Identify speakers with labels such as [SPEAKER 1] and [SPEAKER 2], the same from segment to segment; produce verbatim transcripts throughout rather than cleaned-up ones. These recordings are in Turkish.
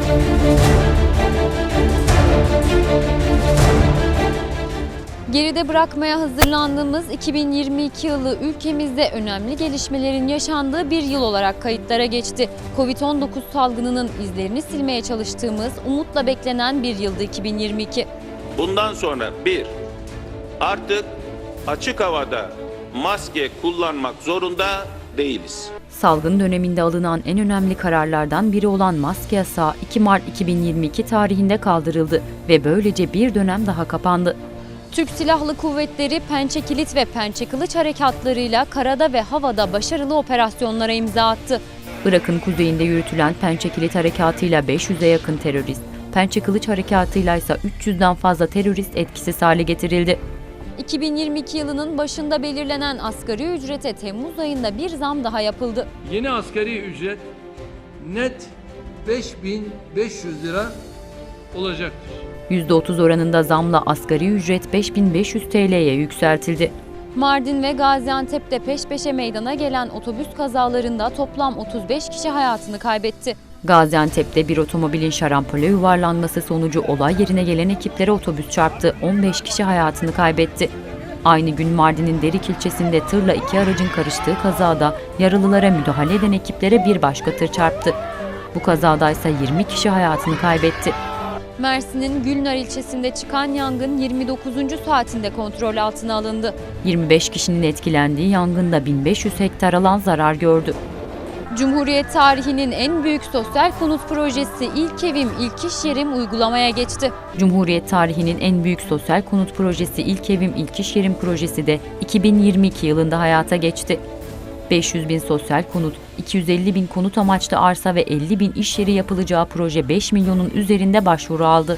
[SPEAKER 1] Geride bırakmaya hazırlandığımız iki bin yirmi iki yılı ülkemizde önemli gelişmelerin yaşandığı bir yıl olarak kayıtlara geçti. Covid on dokuz salgınının izlerini silmeye çalıştığımız, umutla beklenen bir yıldı iki bin yirmi iki.
[SPEAKER 2] Bundan sonra bir, artık açık havada maske kullanmak zorunda değiliz.
[SPEAKER 3] Salgın döneminde alınan en önemli kararlardan biri olan maske yasağı iki Mart iki bin yirmi iki tarihinde kaldırıldı ve böylece bir dönem daha kapandı.
[SPEAKER 1] Türk Silahlı Kuvvetleri Pençe Kilit ve Pençe Kılıç harekatlarıyla karada ve havada başarılı operasyonlara imza attı.
[SPEAKER 3] Irak'ın kuzeyinde yürütülen Pençe Kilit harekatıyla beş yüze yakın terörist, Pençe Kılıç harekatıyla ise üç yüzden fazla terörist etkisiz hale getirildi.
[SPEAKER 1] iki bin yirmi iki yılının başında belirlenen asgari ücrete Temmuz ayında bir zam daha yapıldı.
[SPEAKER 4] Yeni asgari ücret net beş bin beş yüz lira olacaktır.
[SPEAKER 3] yüzde otuz oranında zamla asgari ücret beş bin beş yüz T L'ye yükseltildi.
[SPEAKER 1] Mardin ve Gaziantep'te peş peşe meydana gelen otobüs kazalarında toplam otuz beş kişi hayatını kaybetti.
[SPEAKER 3] Gaziantep'te bir otomobilin şarampole yuvarlanması sonucu olay yerine gelen ekiplere otobüs çarptı. on beş kişi hayatını kaybetti. Aynı gün Mardin'in Derik ilçesinde tırla iki aracın karıştığı kazada yaralılara müdahale eden ekiplere bir başka tır çarptı. Bu kazada ise yirmi kişi hayatını kaybetti.
[SPEAKER 1] Mersin'in Gülnar ilçesinde çıkan yangın yirmi dokuzuncu saatinde kontrol altına alındı.
[SPEAKER 3] yirmi beş kişinin etkilendiği yangında bin beş yüz hektar alan zarar gördü.
[SPEAKER 1] Cumhuriyet tarihinin en büyük sosyal konut projesi İlk Evim İlk İş Yerim uygulamaya geçti.
[SPEAKER 3] Cumhuriyet tarihinin en büyük sosyal konut projesi İlk Evim İlk İş Yerim projesi de iki bin yirmi iki yılında hayata geçti. beş yüz bin sosyal konut, iki yüz elli bin konut amaçlı arsa ve elli bin iş yeri yapılacağı proje beş milyonun üzerinde başvuru aldı.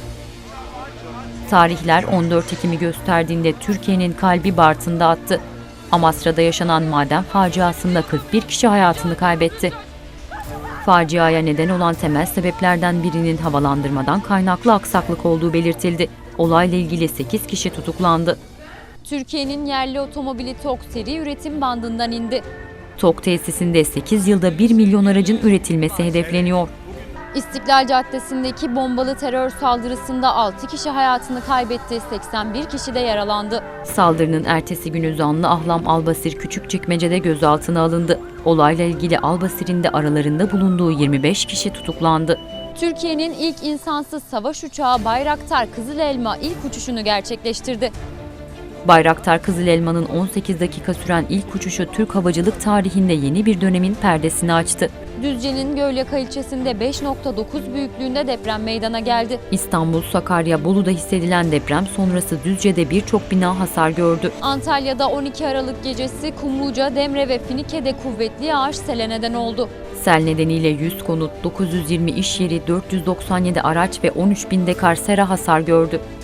[SPEAKER 3] Tarihler on dört Ekim'i gösterdiğinde Türkiye'nin kalbi Bartın'da attı. Amasra'da yaşanan maden faciasında kırk bir kişi hayatını kaybetti. Faciaya neden olan temel sebeplerden birinin havalandırmadan kaynaklı aksaklık olduğu belirtildi. Olayla ilgili sekiz kişi tutuklandı.
[SPEAKER 1] Türkiye'nin yerli otomobili TOG seri üretim bandından indi.
[SPEAKER 3] TOG tesisinde sekiz yılda bir milyon aracın üretilmesi hedefleniyor.
[SPEAKER 1] İstiklal Caddesi'ndeki bombalı terör saldırısında altı kişi hayatını kaybetti, seksen bir kişi de yaralandı.
[SPEAKER 3] Saldırının ertesi günü zanlı Ahlam Albasir Küçükçekmece'de gözaltına alındı. Olayla ilgili Albasir'in de aralarında bulunduğu yirmi beş kişi tutuklandı.
[SPEAKER 1] Türkiye'nin ilk insansız savaş uçağı Bayraktar Kızıl Elma ilk uçuşunu gerçekleştirdi.
[SPEAKER 3] Bayraktar Kızıl Elma'nın on sekiz dakika süren ilk uçuşu Türk havacılık tarihinde yeni bir dönemin perdesini açtı.
[SPEAKER 1] Düzce'nin Gölyaka ilçesinde beş nokta dokuz büyüklüğünde deprem meydana geldi.
[SPEAKER 3] İstanbul, Sakarya, Bolu'da hissedilen deprem sonrası Düzce'de birçok bina hasar gördü.
[SPEAKER 1] Antalya'da on iki Aralık gecesi Kumluca, Demre ve Finike'de kuvvetli yağış sele neden oldu.
[SPEAKER 3] Sel nedeniyle yüz konut, dokuz yüz yirmi iş yeri, dört yüz doksan yedi araç ve on üç bin dekar sera hasar gördü.